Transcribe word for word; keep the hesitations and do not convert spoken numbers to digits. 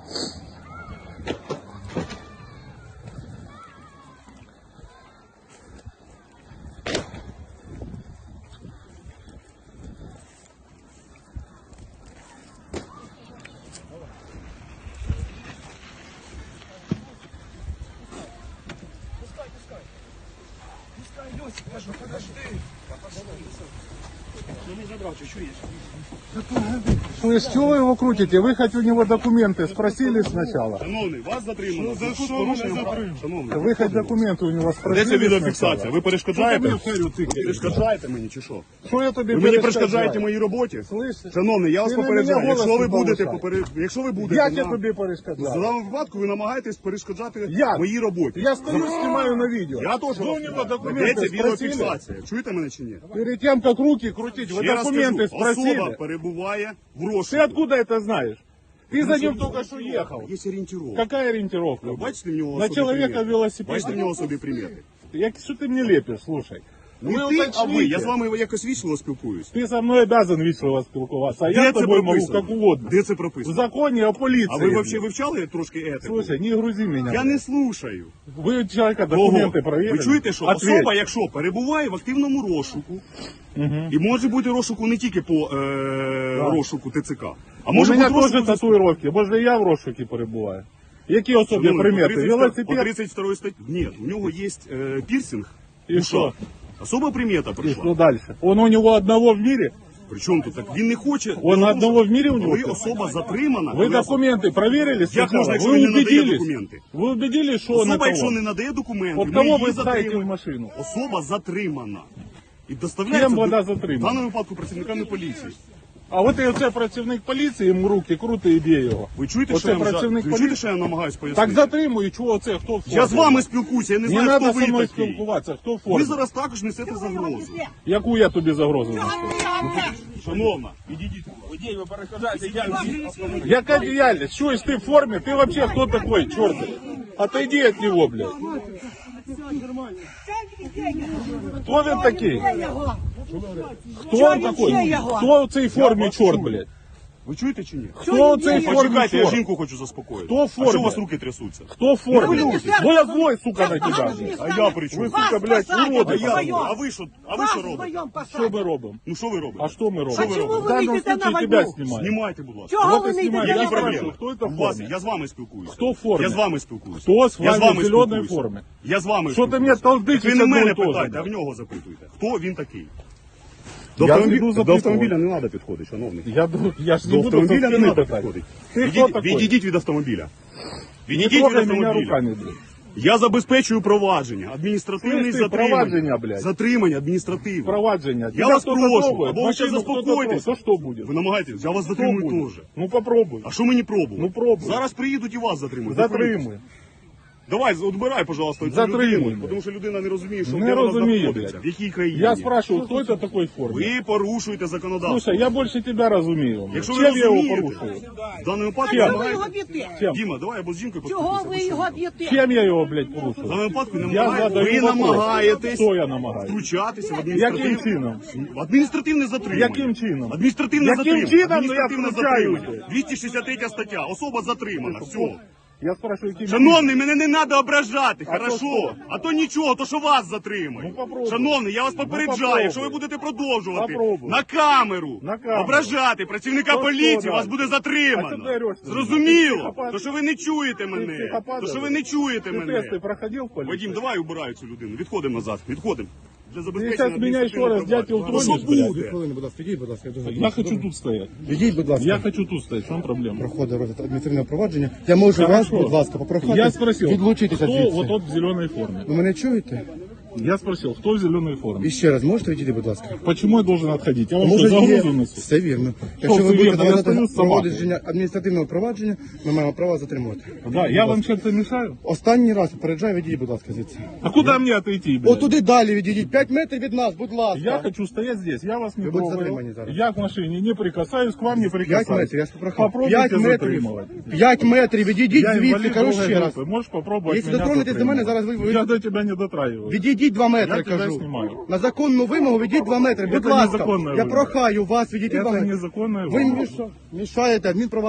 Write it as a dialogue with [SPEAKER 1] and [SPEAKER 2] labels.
[SPEAKER 1] Подожди. Ну не забрал, что чуешь?
[SPEAKER 2] Слышь, чего вы его крутите? Вы хоть у него документы спросили сначала?
[SPEAKER 1] Шановний, вас затримано.
[SPEAKER 3] За що мене затримали?
[SPEAKER 1] Шановний,
[SPEAKER 2] Ви хоч документи у нього
[SPEAKER 1] де
[SPEAKER 2] спросили
[SPEAKER 1] ця відеофіксація?
[SPEAKER 2] сначала?
[SPEAKER 1] Ви перешкоджаєте?
[SPEAKER 2] Що ти мені
[SPEAKER 1] Перешкоджаєте мені чи що?
[SPEAKER 2] Що я тобі
[SPEAKER 1] Ви мені
[SPEAKER 2] перешкоджаю?
[SPEAKER 1] перешкоджаєте моїй роботі?
[SPEAKER 2] Слышиш?
[SPEAKER 1] Шановний, я вас
[SPEAKER 2] Ти на
[SPEAKER 1] попереджаю,
[SPEAKER 2] мене
[SPEAKER 1] якщо
[SPEAKER 2] голос
[SPEAKER 1] ви
[SPEAKER 2] не
[SPEAKER 1] будете
[SPEAKER 2] повишай.
[SPEAKER 1] поперед... якщо ви будете
[SPEAKER 2] Як я
[SPEAKER 1] на...
[SPEAKER 2] тобі
[SPEAKER 1] в
[SPEAKER 2] перешкоджаю?
[SPEAKER 1] даному випадку ви намагаєтесь перешкоджати
[SPEAKER 2] Як?
[SPEAKER 1] моїй роботі.
[SPEAKER 2] Я стою, знімаю на відео.
[SPEAKER 1] Я теж
[SPEAKER 2] Ви у нього
[SPEAKER 1] Де
[SPEAKER 2] документи
[SPEAKER 1] ця
[SPEAKER 2] спросили?
[SPEAKER 1] відеофіксація? Чуєте мене чи ні?
[SPEAKER 2] Перед тем, как руки крутить, вы
[SPEAKER 1] Ще раз
[SPEAKER 2] документы
[SPEAKER 1] кажу, особа
[SPEAKER 2] спросили?
[SPEAKER 1] перебуває в
[SPEAKER 2] Ты
[SPEAKER 1] розшуку.
[SPEAKER 2] откуда это знаешь? Ты за ним только что ехал.
[SPEAKER 1] Є орієнтировка.
[SPEAKER 2] Какая ориентировка?
[SPEAKER 1] Ви бачите в нього
[SPEAKER 2] На
[SPEAKER 1] особі
[SPEAKER 2] человека
[SPEAKER 1] примети?
[SPEAKER 2] велосипед.
[SPEAKER 1] Бачите в нього собі примети?
[SPEAKER 2] Я, что ты мне лепишь, слушай?
[SPEAKER 1] Не
[SPEAKER 2] Вы
[SPEAKER 1] ти, а ви.
[SPEAKER 2] уточните.
[SPEAKER 1] Я з вами якось вічливо спілкуюсь.
[SPEAKER 2] Ты со мной обязан весело спілкуватися, а я
[SPEAKER 1] Де
[SPEAKER 2] с
[SPEAKER 1] це
[SPEAKER 2] тобой могу
[SPEAKER 1] прописано?
[SPEAKER 2] как угодно.
[SPEAKER 1] Де це
[SPEAKER 2] В
[SPEAKER 1] прописано?
[SPEAKER 2] законе о полиции.
[SPEAKER 1] А ви взагалі вивчали трошки етику?
[SPEAKER 2] Слушай, не грузи меня.
[SPEAKER 1] Я не слушаю.
[SPEAKER 2] Вы у человека
[SPEAKER 1] Кого?
[SPEAKER 2] документы проверили?
[SPEAKER 1] Ви чуєте, що
[SPEAKER 2] Ответь.
[SPEAKER 1] особа, якщо перебуває в активному розшуку, і може бути розшуку не тільки по е, розшуку ТЦК, а
[SPEAKER 2] У
[SPEAKER 1] може
[SPEAKER 2] мене
[SPEAKER 1] бути
[SPEAKER 2] теж
[SPEAKER 1] розшуку...
[SPEAKER 2] татуїровки, може я в розшукі перебуваю. Які особі
[SPEAKER 1] Шановний,
[SPEAKER 2] примети?
[SPEAKER 1] по тридцять- По
[SPEAKER 2] Велосипед?
[SPEAKER 1] тридцать второй статті. Ні, у нього є е, пірсинг.
[SPEAKER 2] І
[SPEAKER 1] в
[SPEAKER 2] що?
[SPEAKER 1] ушах. Особа примета
[SPEAKER 2] И
[SPEAKER 1] прийшла.
[SPEAKER 2] что дальше? Он у него одного в мире?
[SPEAKER 1] Причому тут так? Він не хоче...
[SPEAKER 2] Он одного в мире у него?
[SPEAKER 1] Коли особа затримана...
[SPEAKER 2] Вы
[SPEAKER 1] коли
[SPEAKER 2] документы проверили
[SPEAKER 1] Як
[SPEAKER 2] сначала?
[SPEAKER 1] можна, якщо
[SPEAKER 2] Вы
[SPEAKER 1] він не надає
[SPEAKER 2] убедились?
[SPEAKER 1] документи?
[SPEAKER 2] Вы убедились, что он
[SPEAKER 1] Особа,
[SPEAKER 2] это
[SPEAKER 1] якщо
[SPEAKER 2] он?
[SPEAKER 1] не надає документи,
[SPEAKER 2] Вот
[SPEAKER 1] ми
[SPEAKER 2] кого
[SPEAKER 1] її
[SPEAKER 2] вы ставите в
[SPEAKER 1] затримуємо.
[SPEAKER 2] машину?
[SPEAKER 1] Особа затримана. І доставляється
[SPEAKER 2] Ким вона
[SPEAKER 1] до-
[SPEAKER 2] затримана?
[SPEAKER 1] в даному випадку працівниками поліції.
[SPEAKER 2] А от і оце працівник поліції, йому руки крути і б'є його.
[SPEAKER 1] Ви чуєте,
[SPEAKER 2] Оце
[SPEAKER 1] що я, вам жа-
[SPEAKER 2] працівник
[SPEAKER 1] ви чуєте,
[SPEAKER 2] поліції?
[SPEAKER 1] що я намагаюсь пояснити?
[SPEAKER 2] Так затримую, чого це, хто в формі?
[SPEAKER 1] Я з вами спілкуюся, я не
[SPEAKER 2] Не
[SPEAKER 1] знаю,
[SPEAKER 2] треба
[SPEAKER 1] хто
[SPEAKER 2] зі
[SPEAKER 1] ви
[SPEAKER 2] мною
[SPEAKER 1] такий.
[SPEAKER 2] спілкуватися, хто в формі?
[SPEAKER 1] Ви зараз також несете загрозу.
[SPEAKER 2] Яку я тобі загрозу несу?
[SPEAKER 1] Шановна, підійдіть.
[SPEAKER 2] Людей ви перешкоджаєте діяльність. Яка діяльність? Що, якщо ти в формі? Ти взагалі хто такой, чорт? Отойди від нього, блядь. Хто він такий? Хто він такий? Хто в цій формі чорт, блядь?
[SPEAKER 1] Ви чуєте чи ні?
[SPEAKER 2] Хто в цій формі
[SPEAKER 1] Почекайте, я
[SPEAKER 2] чорт?
[SPEAKER 1] жінку хочу заспокоїти.
[SPEAKER 2] Хто в
[SPEAKER 1] А що
[SPEAKER 2] формі?
[SPEAKER 1] у вас руки трясуться?
[SPEAKER 2] Хто в формі? Бо я злой, сука, на тебе.
[SPEAKER 1] А я при чому?
[SPEAKER 2] Ви, сука, блядь,
[SPEAKER 1] А
[SPEAKER 2] уроди.
[SPEAKER 1] я, а ви що, а ви що робите?
[SPEAKER 2] Що ми робимо?
[SPEAKER 1] Ну що ви робите?
[SPEAKER 2] А що ми робимо?
[SPEAKER 1] Що ви
[SPEAKER 3] чому
[SPEAKER 1] робите?
[SPEAKER 2] В даному
[SPEAKER 3] ви йдете на
[SPEAKER 2] случае
[SPEAKER 3] війну?
[SPEAKER 2] тебя знімають.
[SPEAKER 1] Знімайте, будь ласка.
[SPEAKER 3] Чого
[SPEAKER 2] Вот
[SPEAKER 3] ви
[SPEAKER 2] і
[SPEAKER 3] не
[SPEAKER 2] знімаю.
[SPEAKER 3] йдете
[SPEAKER 2] Я
[SPEAKER 3] на
[SPEAKER 1] Які
[SPEAKER 2] спрашиваю,
[SPEAKER 3] війну?
[SPEAKER 1] проблеми?
[SPEAKER 2] хто це в
[SPEAKER 1] У вас,
[SPEAKER 2] формі?
[SPEAKER 1] я з вами спілкуюся.
[SPEAKER 2] Хто в формі?
[SPEAKER 1] Я з вами спілкуюся.
[SPEAKER 2] Хто з
[SPEAKER 1] Я з
[SPEAKER 2] вами
[SPEAKER 1] вами
[SPEAKER 2] в зеленій
[SPEAKER 1] спілкуюся.
[SPEAKER 2] формі?
[SPEAKER 1] Я з вами
[SPEAKER 2] Що ти
[SPEAKER 1] спілкуюся.
[SPEAKER 2] мене толдичиш
[SPEAKER 1] Ви не
[SPEAKER 2] одно
[SPEAKER 1] мене
[SPEAKER 2] і то же,
[SPEAKER 1] питайте, а в
[SPEAKER 2] блядь?
[SPEAKER 1] нього запитуйте. Хто він такий? До,
[SPEAKER 2] Я
[SPEAKER 1] автомобі-
[SPEAKER 2] піду
[SPEAKER 1] до
[SPEAKER 2] запитувати.
[SPEAKER 1] автомобіля не треба підходити, шановний.
[SPEAKER 2] Я, ду- я ж не
[SPEAKER 1] До
[SPEAKER 2] буду
[SPEAKER 1] автомобіля не
[SPEAKER 2] за спини
[SPEAKER 1] треба
[SPEAKER 2] питати.
[SPEAKER 1] підходити.
[SPEAKER 2] Ти хто
[SPEAKER 1] Відійдіть,
[SPEAKER 2] такий?
[SPEAKER 1] відійдіть від автомобіля.
[SPEAKER 2] Не
[SPEAKER 1] Відійдіть від
[SPEAKER 2] трогай мене
[SPEAKER 1] автомобіля.
[SPEAKER 2] руками, блядь.
[SPEAKER 1] Я забезпечую провадження, адміністративне
[SPEAKER 2] Слышь, ти,
[SPEAKER 1] затримання.
[SPEAKER 2] провадження, блядь.
[SPEAKER 1] Затримання адміністративне.
[SPEAKER 2] Провадження.
[SPEAKER 1] Я
[SPEAKER 2] Тебя
[SPEAKER 1] вас
[SPEAKER 2] кто-то
[SPEAKER 1] прошу,
[SPEAKER 2] трогает,
[SPEAKER 1] або ви ще
[SPEAKER 2] машину кто-то
[SPEAKER 1] заспокойтесь.
[SPEAKER 2] трогает, то что будет?
[SPEAKER 1] Ви намагаєтесь, я вас
[SPEAKER 2] Что
[SPEAKER 1] затримую
[SPEAKER 2] будет?
[SPEAKER 1] теж.
[SPEAKER 2] Ну попробуй.
[SPEAKER 1] А що мені пробувати?
[SPEAKER 2] Ну, пробуй.
[SPEAKER 1] Зараз приїдуть і вас затримують.
[SPEAKER 2] Затримуй.
[SPEAKER 1] Давай, отбирай, пожалуйста, цю
[SPEAKER 2] Затримуй,
[SPEAKER 1] людину,
[SPEAKER 2] блядь.
[SPEAKER 1] тому що людина не розуміє, що
[SPEAKER 2] Не
[SPEAKER 1] де вона
[SPEAKER 2] розуміє,
[SPEAKER 1] знаходиться,
[SPEAKER 2] блядь.
[SPEAKER 1] в якій країні.
[SPEAKER 2] Я спрашиваю, кто это такой в форме?
[SPEAKER 1] Ви порушуєте законодавство.
[SPEAKER 2] Слушай, я больше тебя разумею.
[SPEAKER 1] Якщо ви
[SPEAKER 2] Чем я его
[SPEAKER 1] розумієте,
[SPEAKER 2] порушую?
[SPEAKER 1] в даному випадку
[SPEAKER 2] Чим?
[SPEAKER 3] Чого ви його
[SPEAKER 1] намагаєтесь...
[SPEAKER 3] б'єте?
[SPEAKER 2] Чем?
[SPEAKER 1] Діма, давай або з жінкою
[SPEAKER 3] Чого ви
[SPEAKER 1] поспілкуйся.
[SPEAKER 3] його б'єте?
[SPEAKER 2] Чем я его, блядь,
[SPEAKER 1] В
[SPEAKER 2] порушую?
[SPEAKER 1] даному випадку
[SPEAKER 2] Я
[SPEAKER 1] намагаєтесь,
[SPEAKER 2] задаю
[SPEAKER 1] ви
[SPEAKER 2] вопрос.
[SPEAKER 1] намагаєтесь
[SPEAKER 2] Що я намагаюсь?
[SPEAKER 1] втручатися в
[SPEAKER 2] Яким
[SPEAKER 1] адміністративне...
[SPEAKER 2] чином?
[SPEAKER 1] В адміністративне затримання.
[SPEAKER 2] Яким чином?
[SPEAKER 1] Адміністративне
[SPEAKER 2] Яким
[SPEAKER 1] затримання.
[SPEAKER 2] чином? Ну, я
[SPEAKER 1] Адміністративне
[SPEAKER 2] втручаюся.
[SPEAKER 1] затримання. двісті шістдесят третя стаття. Особа затримана. Все.
[SPEAKER 2] Я спрашиваю, каким
[SPEAKER 1] Шановний, мене не треба ображати,
[SPEAKER 2] А то
[SPEAKER 1] хорошо?
[SPEAKER 2] що?
[SPEAKER 1] А то нічого, то що вас затримують.
[SPEAKER 2] Ну, попробуй.
[SPEAKER 1] Шановний, я вас попереджаю,
[SPEAKER 2] попробуй.
[SPEAKER 1] якщо ви будете продовжувати
[SPEAKER 2] Попробуй.
[SPEAKER 1] на камеру,
[SPEAKER 2] На камеру.
[SPEAKER 1] ображати працівника
[SPEAKER 2] То
[SPEAKER 1] поліції,
[SPEAKER 2] що
[SPEAKER 1] вас
[SPEAKER 2] далі?
[SPEAKER 1] буде
[SPEAKER 2] А
[SPEAKER 1] затримано.
[SPEAKER 2] що ти ореш? Ти
[SPEAKER 1] Зрозуміло?
[SPEAKER 2] психопат?
[SPEAKER 1] То що ви не чуєте мене.
[SPEAKER 2] психопат,
[SPEAKER 1] То що ви
[SPEAKER 2] Олег?
[SPEAKER 1] не чуєте
[SPEAKER 2] Ты
[SPEAKER 1] мене.
[SPEAKER 2] тесты проходил в полиции?
[SPEAKER 1] Вадим, давай убирай цю людину. Відходимо назад. Відходимо. Для
[SPEAKER 2] Ты
[SPEAKER 1] забезпечення
[SPEAKER 2] сейчас меня еще раз, дятел,
[SPEAKER 1] Ну, що
[SPEAKER 2] тронешь, блядь?
[SPEAKER 1] буде?
[SPEAKER 4] Хвилину, будь ласка, йдіть, будь ласка, я дуже
[SPEAKER 2] Я хочу тут стоять.
[SPEAKER 4] Йдіть, будь ласка.
[SPEAKER 2] Я хочу тут стоять. В чем проблема?
[SPEAKER 4] Проходить розгляд адміністративного провадження. Я можу вас,
[SPEAKER 2] Хорошо.
[SPEAKER 4] будь ласка, попрохати
[SPEAKER 2] Я спросил,
[SPEAKER 4] відлучитися
[SPEAKER 2] кто
[SPEAKER 4] звідси.
[SPEAKER 2] вот тот в зеленой форме?
[SPEAKER 4] Ви мене чуєте?
[SPEAKER 2] Я спросил, кто в зеленой форме?
[SPEAKER 4] І ще раз, можете відійти, будь ласка?
[SPEAKER 2] Почему я должен отходить? Я вам
[SPEAKER 4] Може,
[SPEAKER 2] что,
[SPEAKER 4] є...
[SPEAKER 2] загрузу несу?
[SPEAKER 4] Все вірно. Якщо
[SPEAKER 2] все
[SPEAKER 4] ви будете
[SPEAKER 2] вірно? Я
[SPEAKER 4] давати
[SPEAKER 2] стою з собакою.
[SPEAKER 4] проводження адміністративного провадження, ми маємо право затримувати.
[SPEAKER 2] Да, я вам чем-то мешаю?
[SPEAKER 4] Останній раз попереджаю, відійдіть, будь ласка, звідси.
[SPEAKER 2] А куда мне отойти, блядь?
[SPEAKER 4] Отуди далі відійдіть, п'ять метрів від нас, будь ласка.
[SPEAKER 2] Я хочу стоять здесь, я вас не
[SPEAKER 4] Ви будете
[SPEAKER 2] трогаю.
[SPEAKER 4] затримані зараз.
[SPEAKER 2] Я к машине не прикасаюсь, к вам не
[SPEAKER 4] П'ять
[SPEAKER 2] прикасаюсь.
[SPEAKER 4] метрів, я ж попрохав.
[SPEAKER 2] Попробуйте
[SPEAKER 4] П'ять метрів.
[SPEAKER 2] затримывать.
[SPEAKER 4] П'ять метрів, відійдіть
[SPEAKER 2] Я
[SPEAKER 4] звідси,
[SPEAKER 2] инвалид
[SPEAKER 4] кажу
[SPEAKER 2] другой
[SPEAKER 4] ще раз.
[SPEAKER 2] группы. Можешь попробовать
[SPEAKER 4] Якщо
[SPEAKER 2] меня
[SPEAKER 4] дотронетесь до мене,
[SPEAKER 2] затримывать.
[SPEAKER 4] зараз ви- ви-
[SPEAKER 2] Я до тебя не дотрагиваюсь.
[SPEAKER 4] Відійдіть два метри,
[SPEAKER 2] Я тебе
[SPEAKER 4] кажу.
[SPEAKER 2] знімаю.
[SPEAKER 4] На законну вимогу відійдіть два метри, будь
[SPEAKER 2] Це
[SPEAKER 4] ласка.
[SPEAKER 2] незаконна
[SPEAKER 4] Я
[SPEAKER 2] вимога.
[SPEAKER 4] прохаю вас відійти два
[SPEAKER 2] Это
[SPEAKER 4] метри.
[SPEAKER 2] незаконная
[SPEAKER 4] Ви
[SPEAKER 2] вимога.
[SPEAKER 4] міша- мішаєте адмінправа.